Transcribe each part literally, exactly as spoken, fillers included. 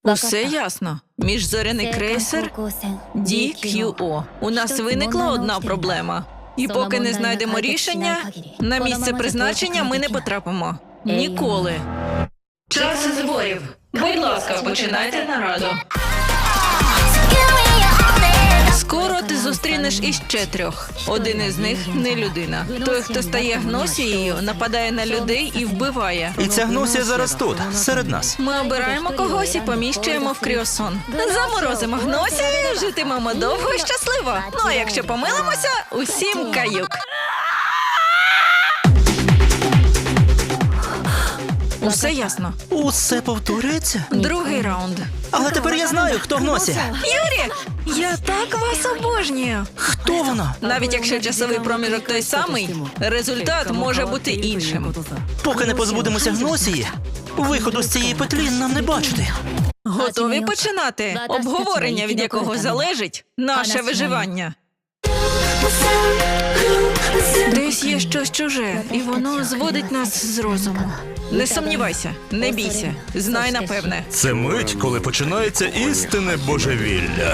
Усе ясно. Міжзоряний крейсер Ді К'ю О. У нас виникла одна проблема. І поки не знайдемо рішення, на місце призначення ми не потрапимо. Ніколи. Час зборів. Будь ласка, починайте нараду. Скоро ти зустрінеш іще трьох. Один із них не людина. Той, хто стає гносією, нападає на людей і вбиває. І ця гносія зараз тут, серед нас. Ми обираємо когось і поміщуємо в кріосон. Заморозимо гносію, житимемо довго і щасливо. Ну а якщо помилимося, усім каюк. Усе ясно. Усе повторюється? Другий раунд. Але тепер я знаю, хто гносія. Юрі, я так вас обожнюю. Хто вона? Навіть якщо часовий проміжок той самий, результат може бути іншим. Поки не позбудемося гносії, виходу з цієї петлі нам не бачити. Готові починати? Обговорення, від якого залежить наше виживання. Десь є щось чуже, і воно зводить нас з розуму. Не сумнівайся, не бійся, знай напевне. Це мить, коли починається істинне божевілля.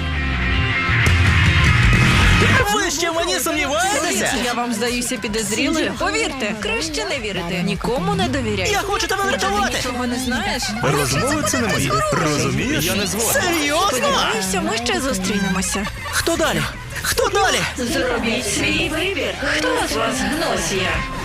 Ви ще в мені сумніваєтеся? Я вам здаюся підозрілою? Повірте, краще не вірити. Нікому не довіряй. Я хочу тебе врятувати! Нічого не знаєш? Розмови це не мої. Розумієш? Я не згоден. Серйозно? Сподіваюся, ми ще зустрінемося. Хто далі? Хто далі? Зробіть свій вибір. Хто з вас гносія?